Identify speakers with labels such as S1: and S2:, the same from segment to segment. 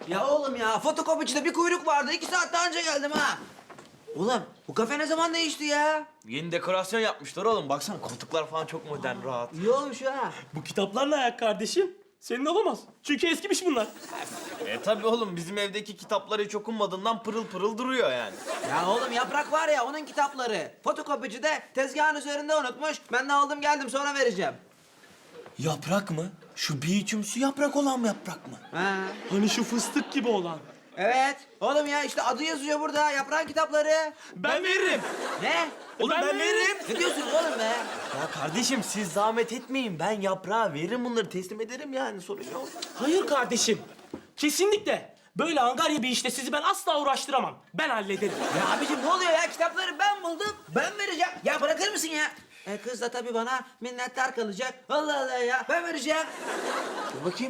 S1: Ya oğlum ya, fotokopicide bir kuyruk vardı. 2 saat daha önce geldim ha. Oğlum, bu kafe ne zaman değişti ya?
S2: Yeni dekorasyon yapmışlar oğlum. Baksana koltuklar falan çok modern, rahat.
S1: İyi olmuş ha.
S3: Bu kitaplar ne ayak kardeşim? Senin olamaz. Çünkü eskimiş bunlar.
S2: Tabii oğlum bizim evdeki kitaplar hiç okunmadığından pırıl pırıl duruyor yani.
S1: Ya oğlum, Yaprak var ya, onun kitapları. Fotokopicide tezgahın üzerinde unutmuş. Ben de aldım geldim, sonra vereceğim.
S2: Yaprak mı? Şu bir içimsi yaprak olan yaprak mı?
S1: Ha.
S3: Hani şu fıstık gibi olan.
S1: Evet. Oğlum ya, işte adı yazıyor burada. Yaprağın kitapları.
S2: Ben veririm.
S1: Ne?
S2: Oğlum ben veririm.
S1: Ne diyorsunuz oğlum be?
S2: Ya kardeşim siz zahmet etmeyin. Ben yaprağa veririm bunları teslim ederim yani sorun yok.
S3: Hayır kardeşim. Kesinlikle. Böyle angarya bir işte sizi ben asla uğraştıramam. Ben hallederim.
S1: Ya abicim ne oluyor ya? Kitapları ben buldum. Ben vereceğim. Ya bırakır mısın ya? Kız da tabii bana minnettar kalacak. Allah Allah ya. Ben vereceğim.
S2: Dur bakayım.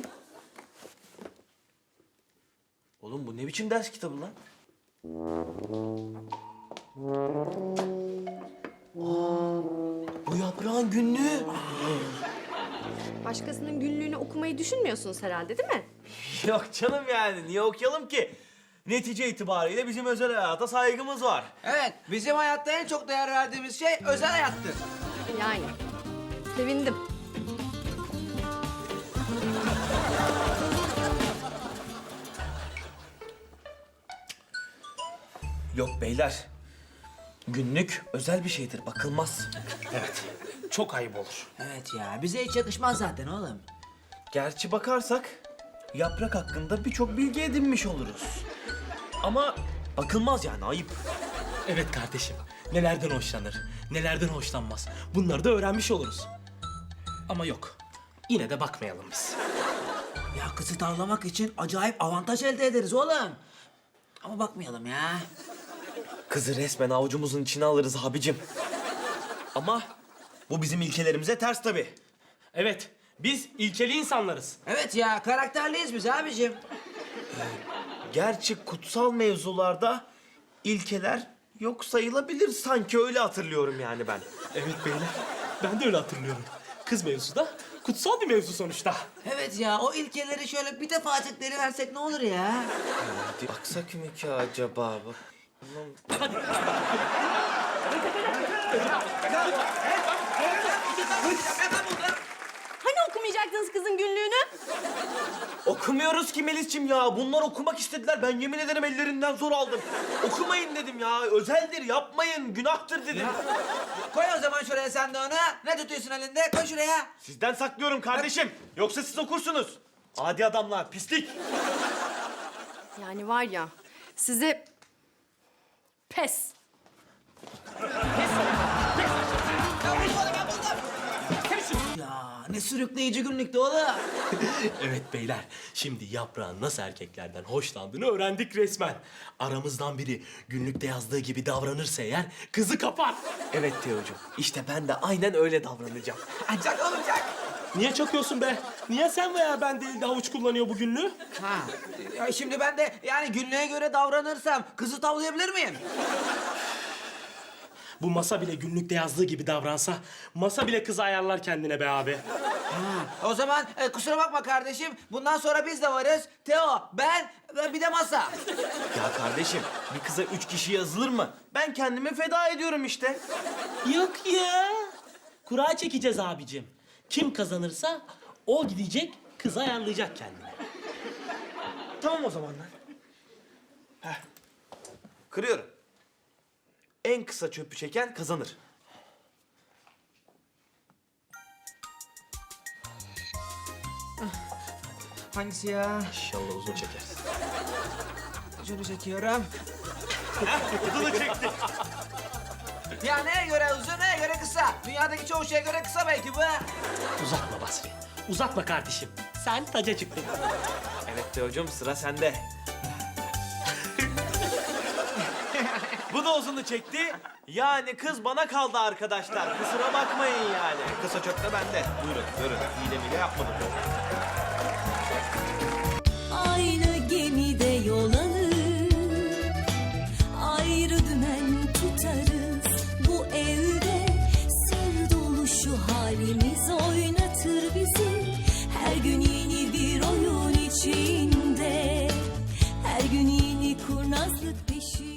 S2: Oğlum bu ne biçim ders kitabı lan? Bu yaprağın günlüğü.
S4: Başkasının günlüğünü okumayı düşünmüyorsunuz herhalde, değil mi?
S2: Yok canım yani niye okuyalım ki? Netice itibariyle bizim özel hayata saygımız var.
S1: Evet, bizim hayatta en çok değer verdiğimiz şey özel hayattır.
S4: Yani. Sevindim.
S2: Yok beyler. Günlük özel bir şeydir, bakılmaz.
S3: Evet. Çok ayıp olur.
S1: Evet ya, bize hiç yakışmaz zaten oğlum.
S2: Gerçi bakarsak yaprak hakkında birçok bilgi edinmiş oluruz. Ama bakılmaz yani ayıp.
S3: Evet kardeşim. Nelerden hoşlanır, nelerden hoşlanmaz. Bunları da öğrenmiş oluruz. Ama yok. Yine de bakmayalım biz.
S1: Ya kızı tavlamak için acayip avantaj elde ederiz oğlum. Ama bakmayalım ya.
S2: Kızı resmen avucumuzun içine alırız abicim. Ama bu bizim ilkelerimize ters tabii.
S3: Evet. Biz ilkeli insanlarız.
S1: Evet ya, karakterliyiz biz abicim.
S2: Gerçi kutsal mevzularda ilkeler yok sayılabilir sanki öyle hatırlıyorum yani ben.
S3: Evet beyler. Ben de öyle hatırlıyorum. Kız mevzusu da kutsal bir mevzu sonuçta.
S1: Evet ya, o ilkeleri şöyle bir defacık versek ne olur ya?
S2: Hadi baksak mı ki acaba?
S4: Hani okumayacaktınız kızın günlüğünü?
S2: Okumuyoruz ki Melis'ciğim ya. Bunlar okumak istediler. Ben yemin ederim ellerinden zor aldım. Okumayın dedim ya. Özeldir, yapmayın. Günahtır dedim.
S1: Koy o zaman şuraya sen de onu. Ne tutuyorsun elinde? Koy şuraya.
S2: Sizden saklıyorum kardeşim. Yoksa siz okursunuz. Adi adamlar, pislik.
S4: Yani var ya, size pes.
S1: Ya ne sürükleyici günlükte oğlum.
S3: Evet beyler, şimdi yaprağın nasıl erkeklerden hoşlandığını öğrendik resmen. Aramızdan biri günlükte yazdığı gibi davranırsa eğer kızı kapar.
S2: Evet Teocuğum. İşte ben de aynen öyle davranacağım.
S1: Çak oğlum çak.
S3: Niye çakıyorsun be? Niye sen veya ben değil de havuç kullanıyor bu günlüğü?
S1: Ha. Ya şimdi ben de yani günlüğe göre davranırsam kızı tavlayabilir miyim?
S3: Bu masa bile günlükte yazdığı gibi davransa, masa bile kızı ayarlar kendine be abi.
S1: O zaman kusura bakma kardeşim. Bundan sonra biz de varız. Teo, ben ve bir de masa.
S2: Ya kardeşim, bir kıza 3 kişi yazılır mı? Ben kendimi feda ediyorum işte.
S3: Yok ya. Kura çekeceğiz abicim. Kim kazanırsa o gidecek, kızı ayarlayacak kendine.
S2: Tamam o zaman lan. Kırıyorum. En kısa çöpü çeken kazanır.
S1: Hangisi ya?
S2: İnşallah uzun çekersin.
S1: Şunu çekiyorum.
S2: Uzunu çekti.
S1: Ya neye göre uzun, neye göre kısa? Dünyadaki çoğu şeye göre kısa belki bu.
S3: Uzatma Basri. Uzatma kardeşim. Sen taca çıktın.
S2: Evet Teocuğum sıra sende. Bu da uzunu çekti. Yani kız bana kaldı arkadaşlar. Kusura bakmayın yani. Kısa çöp de bende. Buyurun, buyurun. Hile yapmadım.
S5: Aynı gemide yol alır, ayrı dümen tutarız. Bu evde sır dolu şu halimiz oynatır bizi. Her gün yeni bir oyun içinde kurnazlık peşinde.